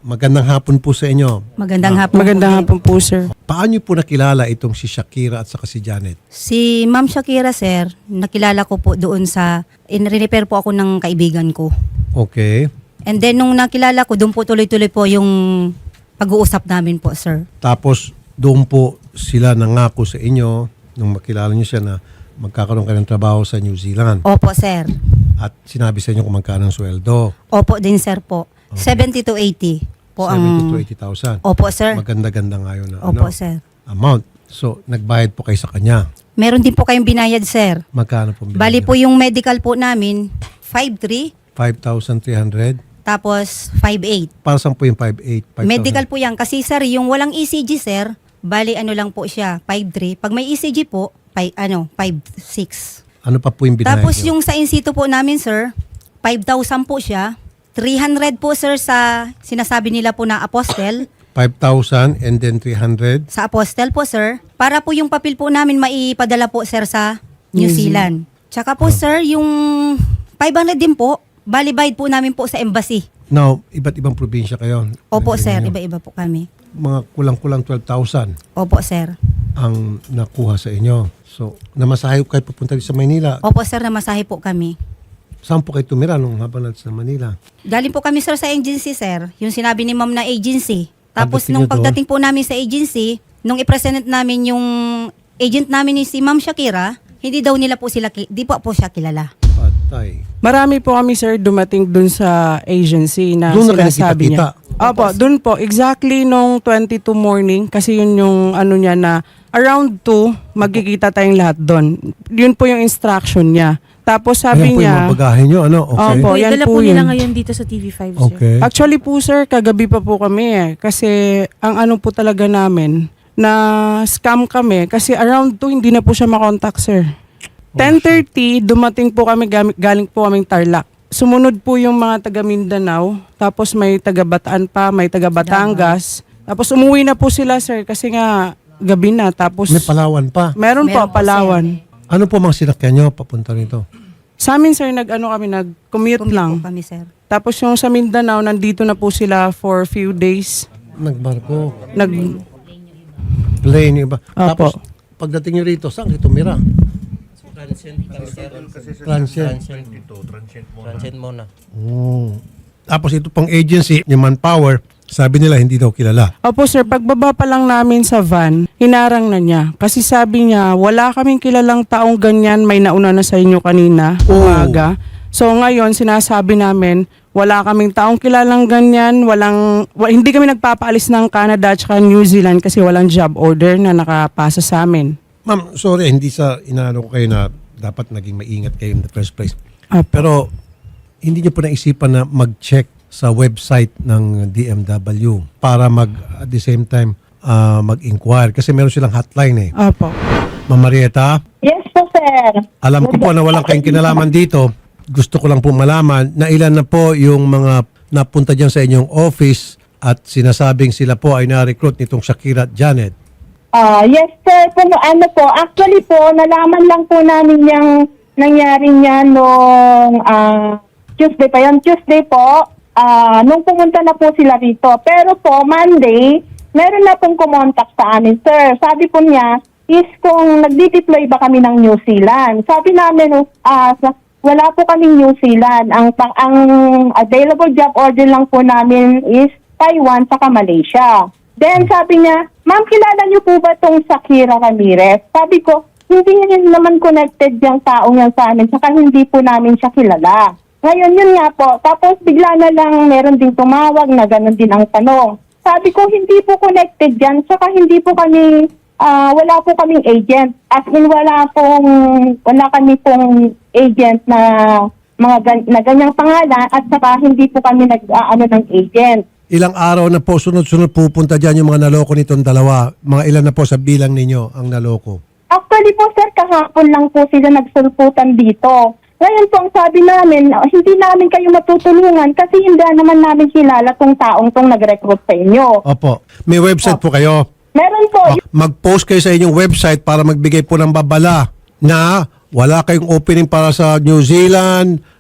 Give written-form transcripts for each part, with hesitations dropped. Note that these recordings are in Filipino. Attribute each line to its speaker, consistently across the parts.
Speaker 1: magandang hapon po sa inyo.
Speaker 2: Magandang hapon.
Speaker 3: Magandang hapon po, sir.
Speaker 1: Paano niyo po nakilala itong si Shakira at saka si Janet?
Speaker 2: Si Ma'am Shakira, sir, nakilala ko po doon sa, in-repair po ako ng kaibigan ko.
Speaker 1: Okay.
Speaker 2: And then nung nakilala ko, doon po tuloy-tuloy po yung pag-uusap namin po, sir.
Speaker 1: Tapos doon po sila nangako sa inyo nung makilala niyo siya na magkakaroon kayo ng trabaho sa New Zealand.
Speaker 2: Opo, sir.
Speaker 1: At sinabi sa inyo kung magkano ang sweldo.
Speaker 2: Opo din, sir po. 70 to 80 po
Speaker 1: 70 to
Speaker 2: ang...
Speaker 1: 80,000.
Speaker 2: Opo, sir.
Speaker 1: Maganda-ganda nga yun na
Speaker 2: Opo, sir.
Speaker 1: amount. So, nagbayad po kayo sa kanya.
Speaker 2: Meron din po kayong binayad, sir.
Speaker 1: Magkano po binayad
Speaker 2: Bali
Speaker 1: niyo?
Speaker 2: po yung medical po namin, 5,300,
Speaker 1: 5,300.
Speaker 2: tapos 5,800.
Speaker 1: Para saan po yung 5,800? 5,000?
Speaker 2: Medical po yan. Kasi, sir, yung walang ECG, sir, bali ano lang po siya, 5,300. Pag may ECG po, 5,600.
Speaker 1: Ano pa po yung binayad
Speaker 2: Tapos
Speaker 1: niyo?
Speaker 2: yung sa in situ po namin, sir, 5,000 po siya. 300 po, sir, sa sinasabi nila po na apostel.
Speaker 1: 5,000 and then 300.
Speaker 2: Sa apostel po, sir. Para po yung papel po namin maipadala po, sir, sa New Zealand. Tsaka po, sir, yung 500 din po, bali-bayad po namin po sa embassy.
Speaker 1: Now, iba't ibang probinsya kayo.
Speaker 2: Opo,
Speaker 1: Nandito
Speaker 2: sir.
Speaker 1: ninyo.
Speaker 2: Iba-iba po kami.
Speaker 1: Mga kulang-kulang 12,000
Speaker 2: Opo, sir.
Speaker 1: ang nakuha sa inyo. So, namasahe kayo pupunta sa Manila.
Speaker 2: Opo, sir, namasahe po kami.
Speaker 1: Saan po kayo tumira nung habang natin sa Manila?
Speaker 2: Galing po kami, sir, sa agency, sir. Yung sinabi ni ma'am na agency. Tapos
Speaker 1: Pagdating
Speaker 2: nung
Speaker 1: nyo doon?
Speaker 2: pagdating po namin sa agency, nung i-present namin yung agent namin ni si Ma'am Shakira, hindi daw nila po sila, di po siya kilala.
Speaker 1: Patay.
Speaker 3: Marami po kami, sir, dumating dun sa agency na
Speaker 1: Doon na kayo
Speaker 3: sinasabi niya.
Speaker 1: nakita-kita?
Speaker 3: Opo, dun po. Exactly nung 22 morning, kasi yun yung ano niya na around 2, magkikita tayong lahat dun. Yun po yung instruction niya. Tapos sabi
Speaker 1: Ayan po yung
Speaker 3: niya,
Speaker 1: mga bagahe nyo, ano? Okay.
Speaker 3: Opo,
Speaker 4: Wait,
Speaker 3: yan
Speaker 4: dala
Speaker 3: po
Speaker 4: po nila
Speaker 3: yun.
Speaker 4: ngayon dito sa TV5, sir.
Speaker 1: Okay.
Speaker 3: Actually po, sir, kagabi pa po kami eh. Kasi ang ano po talaga namin, na scam kami. Kasi around 2, hindi na po siya makontakt, sir. 10:30, dumating po kami, galing po kaming Tarlac. Sumunod po yung mga taga Mindanao, tapos may taga Bataan pa, may taga Batangas. Tapos umuwi na po sila, sir, kasi nga gabi na. Tapos
Speaker 1: May Palawan pa.
Speaker 3: meron po,
Speaker 2: Meron po,
Speaker 3: Palawan.
Speaker 1: Ano po mga sinakyan nyo papunta rito?
Speaker 3: Sa amin, sir, nag-commute
Speaker 2: Commute
Speaker 3: lang.
Speaker 2: po kami, sir.
Speaker 3: Tapos yung sa Mindanao, nandito na po sila for few days.
Speaker 1: Nagbarko.
Speaker 3: Nag,
Speaker 1: Plane yung iba.
Speaker 3: Opo.
Speaker 1: Tapos, pagdating nyo rito, saan kayo tumira? Transient.
Speaker 5: Transient muna.
Speaker 1: Oh. Tapos ito pang agency, yung Manpower, sabi nila hindi daw kilala.
Speaker 3: Opo sir, pagbaba pa lang namin sa van, hinarang na niya. Kasi sabi niya, wala kaming kilalang taong ganyan, may nauna na sa inyo kanina, umaga. So ngayon, sinasabi namin, wala kaming taong kilalang ganyan, hindi kami nagpapaalis ng Canada at New Zealand kasi walang job order na nakapasa sa amin.
Speaker 1: Ma'am, sorry, hindi sa inaano ko kayo na dapat naging maingat kayo in the first place.
Speaker 3: Opo.
Speaker 1: Pero hindi niyo po naisipan na mag-check sa website ng DMW para at the same time mag-inquire kasi meron silang hotline eh.
Speaker 3: Opo.
Speaker 1: Ma'am Marieta,
Speaker 6: Yes po, sir.
Speaker 1: alam ko po na walang kayong kinalaman dito. Gusto ko lang po malaman na ilan na po yung mga napunta dyan sa inyong office at sinasabing sila po ay na-recruit nitong Shakira at Janet.
Speaker 6: Yes, sir. Ano po, actually po, nalaman lang po namin yung nangyari niya nung Tuesday pa yun. Tuesday po, nung pumunta na po sila rito. Pero po, Monday, meron na pong kumontak sa amin, sir. Sabi po niya, is kung nagdi-deploy ba kami ng New Zealand. Sabi namin, wala po kaming New Zealand. Ang available job order lang po namin is Taiwan saka Malaysia. Then sabi niya, ma'am, kilala niyo po ba tong Shakira Ramirez? Sabi ko, hindi niya naman connected yung taong yan sa amin, saka hindi po namin siya kilala. Ngayon, yun nga po. Tapos bigla na lang meron ding tumawag na gano'n din ang tanong. Sabi ko, hindi po connected yan, saka hindi po kami, wala po kaming agent. As in, wala kami pong agent na na ganyang pangalan at saka hindi po kami nag-aano ng agent.
Speaker 1: Ilang araw na po sunod-sunod pupunta dyan yung mga naloko nitong dalawa? Mga ilan na po sa bilang ninyo ang naloko?
Speaker 6: Actually po, sir, kahapon lang po sila nagsulputan dito. Ngayon po, ang sabi namin, hindi namin kayo matutulungan kasi hindi naman namin kilala tong taong tong nag-recruit sa inyo.
Speaker 1: Opo. May website po kayo?
Speaker 6: Meron po.
Speaker 1: Mag-post kayo sa inyong website para magbigay po ng babala na wala kayong opening para sa New Zealand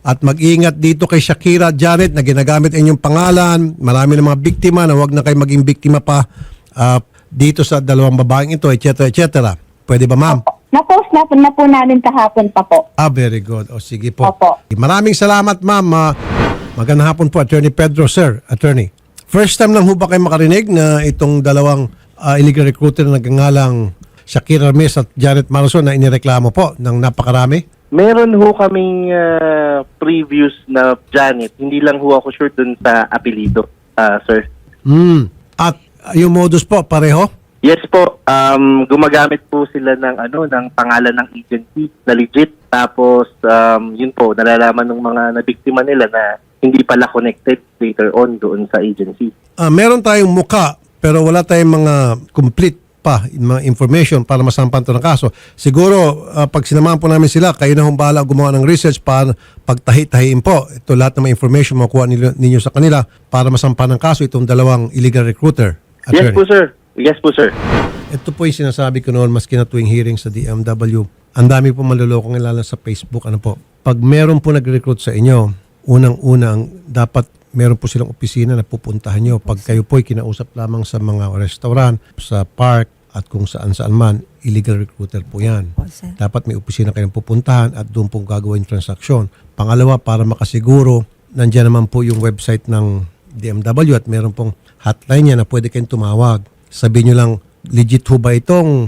Speaker 1: At mag-ingat dito kay Shakira Janet na ginagamit inyong pangalan. Marami ng mga biktima na wag na kayo maging biktima pa dito sa dalawang babaeng ito, etc. etc. Pwede ba, ma'am?
Speaker 6: Na-post na po namin kahapon pa po.
Speaker 1: Very good. O sige po.
Speaker 6: Opo.
Speaker 1: Maraming salamat, ma'am. Magandang hapon po, Attorney Pedro. Sir, Attorney. First time lang ho ba kayo makarinig na itong dalawang illegal recruiter na nagngangalang Shakira Ramirez at Janet Marason na inireklamo po ng napakarami?
Speaker 4: Meron ho kaming previous na Janet. Hindi lang ho ako sure dun sa apelido, sir.
Speaker 1: At yung modus po, pareho?
Speaker 4: Yes po, gumagamit po sila ng pangalan ng agency na legit. Tapos yun po, nalalaman ng mga nabiktima nila na hindi pala connected later on doon sa agency.
Speaker 1: Meron tayong muka pero wala tayong mga complete pa mga information para masampan to ng kaso. Siguro pag sinamahan po namin sila, kayo na hong bahala gumawa ng research para pagtahi-tahiin po. Ito lahat ng mga information makuha ninyo sa kanila para masampan ng kaso itong dalawang illegal recruiter.
Speaker 4: Yes po, sir. Yes po, sir.
Speaker 1: Ito po yung sinasabi ko noon maski na tuwing hearing sa DMW. Ang dami po manlolokong lalo sa Facebook. Ano po? Pag meron po nag-recruit sa inyo, unang-unang dapat meron po silang opisina na pupuntahan nyo. Pag kayo po ay kinausap lamang sa mga restaurant, sa park, at kung saan-saan man, illegal recruiter po yan.
Speaker 2: Sir.
Speaker 1: Dapat may opisina kayong pupuntahan at doon po gagawin transaksyon. Pangalawa, para makasiguro, nandiyan naman po yung website ng DMW at meron pong hotline niya na pwede kayong tumawag. Sabihin nyo lang, legit ho ba itong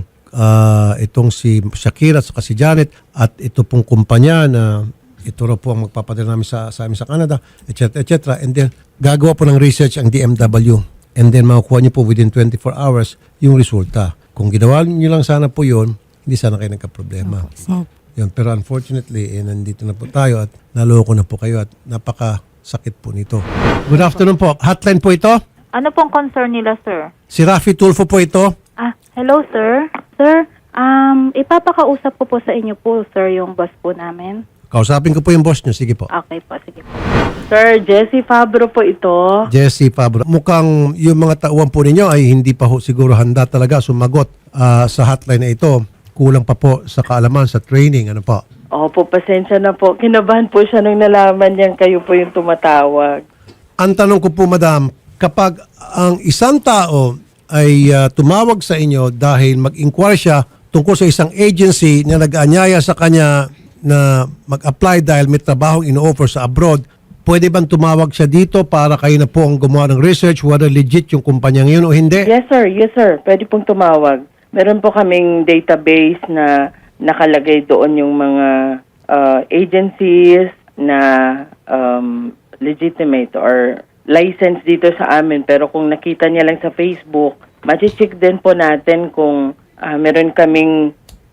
Speaker 1: si Shakira at si Janet at ito pong kumpanya na ito raw po ang magpapadala namin sa amin sa Canada, etc. etc. And then, gagawa po ng research ang DMW. And then, makukuha nyo po within 24 hours yung resulta. Kung ginawa nyo lang sana po yun, hindi sana kayo nagka-problema. Yun. Pero unfortunately, nandito na po tayo at naloko na po kayo at napakasakit po nito. Good afternoon po. Hotline po ito.
Speaker 7: Ano pong concern nila, sir?
Speaker 1: Si Rafi Tulfo po ito.
Speaker 7: Hello, sir. Sir, ipapakausap ko po sa inyo po, sir, yung boss po namin.
Speaker 1: Kausapin ko po yung boss nyo. Sige po.
Speaker 7: Okay po, sige po.
Speaker 3: Sir, Jessie Fabro po ito.
Speaker 1: Jessie Pabro. Mukhang yung mga tauhan po ninyo ay hindi pa siguro handa talaga sumagot sa hotline na ito. Kulang pa po sa kaalaman, sa training. Ano po?
Speaker 3: Opo, pasensya na po. Kinabahan po siya nung nalaman niyang kayo po yung tumatawag.
Speaker 1: Ang tanong ko po, madam, kapag ang isang tao ay tumawag sa inyo dahil mag-inquire siya tungkol sa isang agency na nag-aanyaya sa kanya na mag-apply dahil may trabahong ino-offer sa abroad, pwede bang tumawag siya dito para kayo na po ang gumawa ng research whether legit yung kumpanya ngayon o hindi?
Speaker 3: Yes, sir. Yes, sir. Pwede pong tumawag. Meron po kaming database na nakalagay doon yung mga agencies na legitimate or licensed dito sa amin. Pero kung nakita niya lang sa Facebook, ma-check din po natin kung meron kaming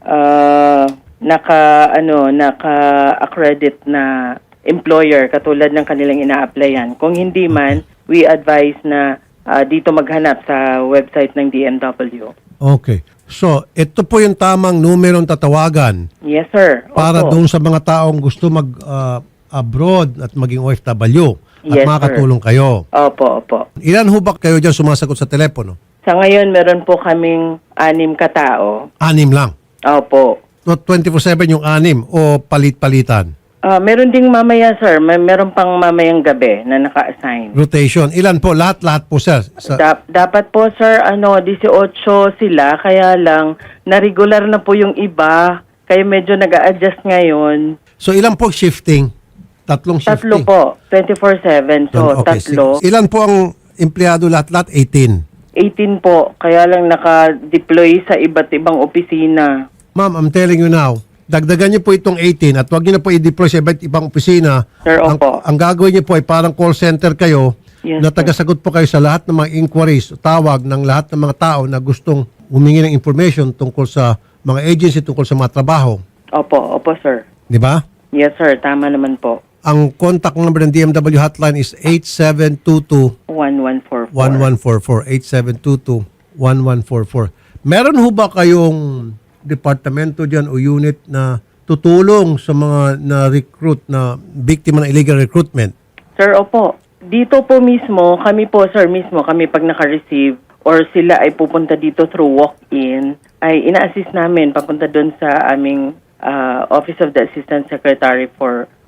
Speaker 3: naka-accredit na employer katulad ng kanilang ina-applyan. Kung hindi man, we advise na dito maghanap sa website ng DMW.
Speaker 1: Okay. So, ito po yung tamang numerong tatawagan
Speaker 3: Yes, sir.
Speaker 1: para
Speaker 3: Opo.
Speaker 1: doon sa mga taong gusto mag-abroad at maging OFW at
Speaker 3: Yes,
Speaker 1: makakatulong kayo.
Speaker 3: Opo, opo.
Speaker 1: Ilan ho ba kayo dyan sumasagot sa telepono?
Speaker 3: Sa ngayon, meron po kaming 6 katao.
Speaker 1: 6 lang.
Speaker 3: Opo.
Speaker 1: Not 24/7 yung 6 o palit-palitan.
Speaker 3: Meron ding mamaya, sir. Meron pang mamayang gabi na naka-assign.
Speaker 1: Rotation. Ilan po? Lahat po, sir.
Speaker 3: Dapat po, sir, 18 sila. Kaya lang, na-regular na po yung iba. Kaya medyo nag-a-adjust ngayon.
Speaker 1: So, ilan po shifting? 3 shifting?
Speaker 3: 3 po. 24/7. So,
Speaker 1: Okay,
Speaker 3: 3.
Speaker 1: ilan po ang empleyado lahat-lahat? 18.
Speaker 3: 18 po. Kaya lang naka-deploy sa iba't ibang opisina.
Speaker 1: Ma'am, I'm telling you now, dagdagan niyo po itong 18 at huwag niyo na po i-deploy sa iba't ibang opisina.
Speaker 3: Sir, opo.
Speaker 1: Ang gagawin niyo po ay parang call center kayo
Speaker 3: Yes,
Speaker 1: na
Speaker 3: sir.
Speaker 1: tagasagot po kayo sa lahat ng mga inquiries, tawag ng lahat ng mga tao na gustong humingi ng information tungkol sa mga agency, tungkol sa mga trabaho.
Speaker 3: Opo, opo, sir.
Speaker 1: Di ba?
Speaker 3: Yes, sir. Tama naman po.
Speaker 1: Ang contact number ng DMW hotline is 8722
Speaker 3: 1144.
Speaker 1: 1144. 8722-1144. Meron ho ba kayong departamento dyan o unit na tutulong sa mga na-recruit na biktima ng illegal recruitment?
Speaker 3: Sir, opo. Dito po mismo, kami po, sir, mismo, kami pag naka-receive or sila ay pupunta dito through walk-in, ay ina-assist namin papunta doon sa aming Office of the Assistant Secretary for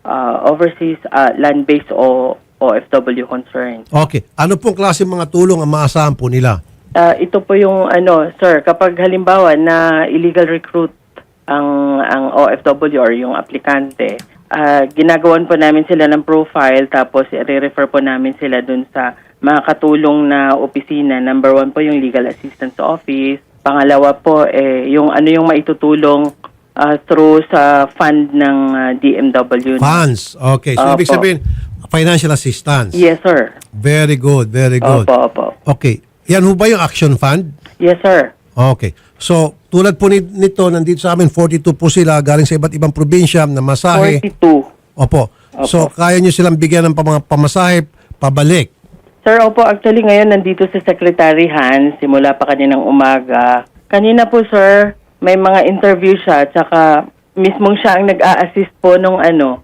Speaker 8: overseas land-based o OFW concern.
Speaker 1: Okay. Ano pong klase mga tulong ang maasahan po nila?
Speaker 8: Ito po yung sir, kapag halimbawa na illegal recruit ang OFW or yung aplikante, ginagawan po namin sila ng profile tapos i-refer po namin sila dun sa mga katulong na opisina. Number 1 po yung Legal Assistance Office. Pangalawa po yung yung maitutulong through sa fund ng DMW.
Speaker 1: Funds. Okay. So, ibig
Speaker 8: Opo.
Speaker 1: sabihin, financial assistance.
Speaker 8: Yes, sir.
Speaker 1: Very good. Very good.
Speaker 8: Opo.
Speaker 1: Okay. Yan ho ba yung action fund?
Speaker 8: Yes, sir.
Speaker 1: Okay. So, tulad po nito, nandito sa amin, 42 po sila galing sa iba't ibang probinsya na masahe.
Speaker 8: 42.
Speaker 1: Opo. So, kaya nyo silang bigyan ng mga pamasahe, pabalik.
Speaker 8: Sir, opo, actually ngayon nandito si Secretary Hans, simula pa kaninang umaga. Kanina po, sir, may mga interview siya, tsaka mismong siya ang nag-a-assist po nung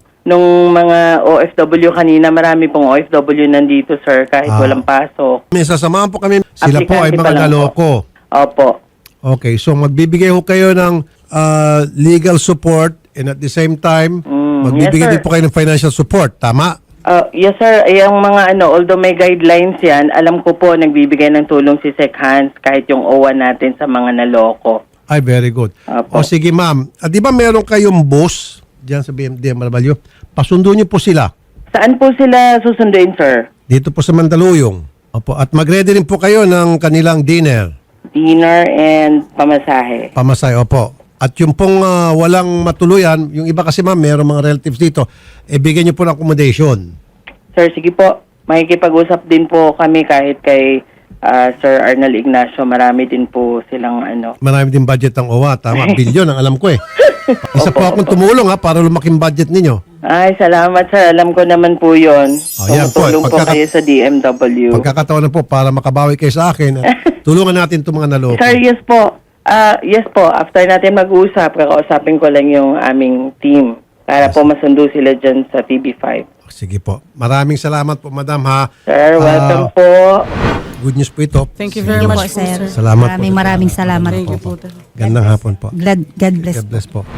Speaker 8: mga OFW kanina. Marami pong OFW nandito, sir, kahit walang pasok.
Speaker 1: May sasamahan po kami. Sila po ay
Speaker 8: Aplikante pa
Speaker 1: mga
Speaker 8: lang
Speaker 1: naloko.
Speaker 8: Opo.
Speaker 1: Okay. So, magbibigay ho kayo ng legal support and at the same time, magbibigay
Speaker 8: yes, sir.
Speaker 1: din po kayo ng financial support. Tama?
Speaker 8: Yes, sir. Yung mga although may guidelines yan, alam ko po nagbibigay ng tulong si Sec Hans kahit yung OWA natin sa mga naloko.
Speaker 1: Ay, very good. O
Speaker 8: Apo.
Speaker 1: sige, ma'am. Di ba meron kayong boss diyan sa DMW? Pasundo niyo po sila.
Speaker 8: Saan po sila susunduin, sir?
Speaker 1: Dito po sa Mandaluyong. Opo. At mag-ready rin po kayo ng kanilang dinner.
Speaker 8: Dinner and pamasahe.
Speaker 1: Pamasay, opo. At yung pong walang matuluyan, yung iba kasi ma'am, meron mga relatives dito, bigyan niyo po ng accommodation.
Speaker 8: Sir, sige po. Makikipag-usap din po kami kahit kay Sir Arnel Ignacio. Marami din po silang
Speaker 1: Marami din budget ang OWA. Tama, bilyon ang alam ko eh. Isa po akong tumulong para lumaking budget ninyo.
Speaker 8: Ay, salamat, sir. Alam ko naman po yun.
Speaker 1: Yan po.
Speaker 8: Tumutulong po kayo sa DMW.
Speaker 1: Pagkakataon na po para makabawi kayo sa akin, tulungan natin itong mga naloko.
Speaker 8: Sir, yes po. Yes po. After natin mag-usap, kakausapin ko lang yung aming team para po masundo sila dyan sa TV5.
Speaker 1: Sige po. Maraming salamat po, madam ha.
Speaker 8: Sir, welcome po.
Speaker 1: Good news po ito.
Speaker 3: Thank you very
Speaker 2: Thank you
Speaker 3: much
Speaker 2: po, sir.
Speaker 1: Salamat po.
Speaker 2: Maraming salamat
Speaker 3: Thank
Speaker 2: po.
Speaker 3: you po.
Speaker 1: Gandang hapon po.
Speaker 2: God bless.
Speaker 1: God bless po.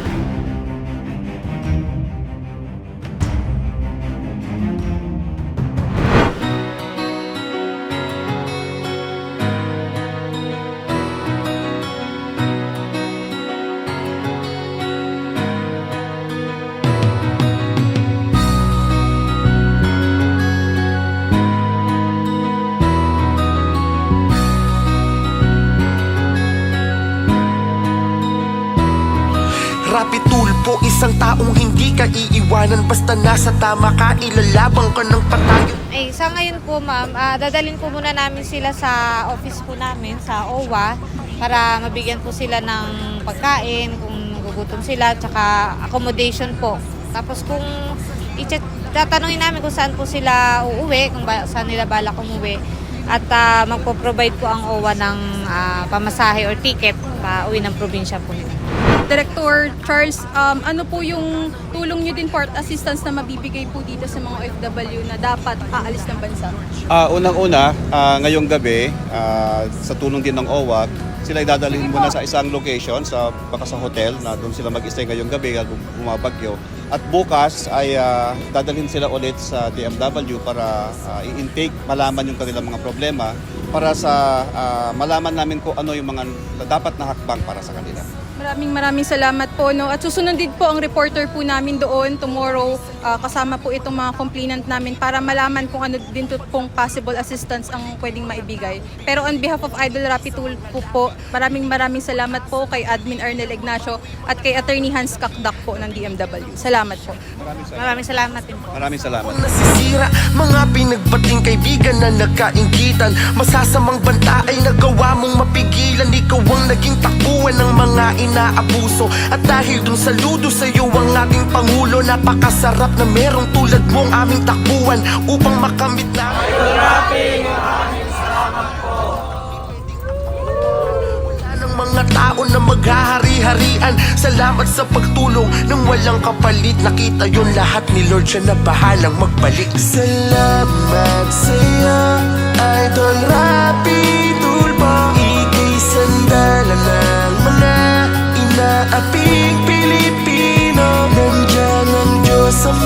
Speaker 9: Rapi tulpo, isang taong hindi ka iiwanan. Basta nasa tama ka, ilalabang ka ng patayo.
Speaker 10: Sa ngayon po ma'am, dadalhin po muna namin sila sa office po namin, sa OWA, para mabigyan po sila ng pagkain, kung nagugutom sila, tsaka accommodation po. Tapos kung tatanungin namin kung saan po sila uuwi, kung saan nila balak umuwi, at magpo-provide po ang OWA ng pamasahe or ticket pa uwi ng probinsya po nila.
Speaker 11: Director Charles, ano po yung tulong nyo din for assistance na mabibigay po dito sa mga OFW na dapat aalis ng bansa?
Speaker 12: Unang-una, ngayong gabi, sa tulong din ng OWA, sila idadalhin muna sa isang location, baka sa hotel, na doon sila mag-stay ngayong gabi at bumabagyo. At bukas ay dadalhin sila ulit sa DMW para i-intake, malaman yung kanilang mga problema, para sa malaman namin kung ano yung mga dapat na hakbang para sa kanila.
Speaker 11: Maraming salamat po. No? At susunod din po ang reporter po namin doon tomorrow, kasama po itong mga complainant namin para malaman kung ano din pong possible assistance ang pwedeng maibigay. Pero on behalf of Idol Rapi Tulfo po, maraming salamat po kay Admin Arnel Ignacio at kay Attorney Hans Kakdak po ng DMW. Salamat po.
Speaker 10: Maraming salamat din po.
Speaker 12: Maraming salamat.
Speaker 9: Nasisira, mga pinagbating kaibigan na nagkainggitan. Masasamang banta ay nagawa mong mapigilan. Ikaw ang naging takbuhan ng mga inaabuso. At dahil dun saludo sa'yo ang ating Pangulo, napakasarap na merong tulad mong aming takbuhan upang makamit na mga tao na maghahari-harian. Salamat sa pagtulong ng walang kapalit. Nakita yun lahat ni Lord, siya na bahalang magbalik. Salamat sa'yo, Idol Rapi Tulfo. Ika'y sandalan ng mga inaaping Pilipino. Nandiyan ang Diyos sa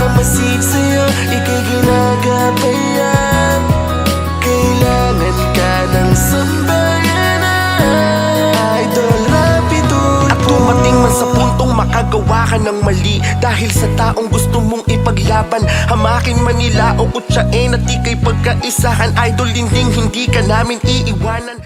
Speaker 9: Mamasid sa'yo, ika'y ginagabayan. Kailangan ka ng sambayanan. Idol Rapido. At dumating man sa puntong makagawa ka ng mali dahil sa taong gusto mong ipaglaban. Hamakin man nila o kutsain at ika'y pagkaisahan. Idol Linding, hindi ka namin iiwanan.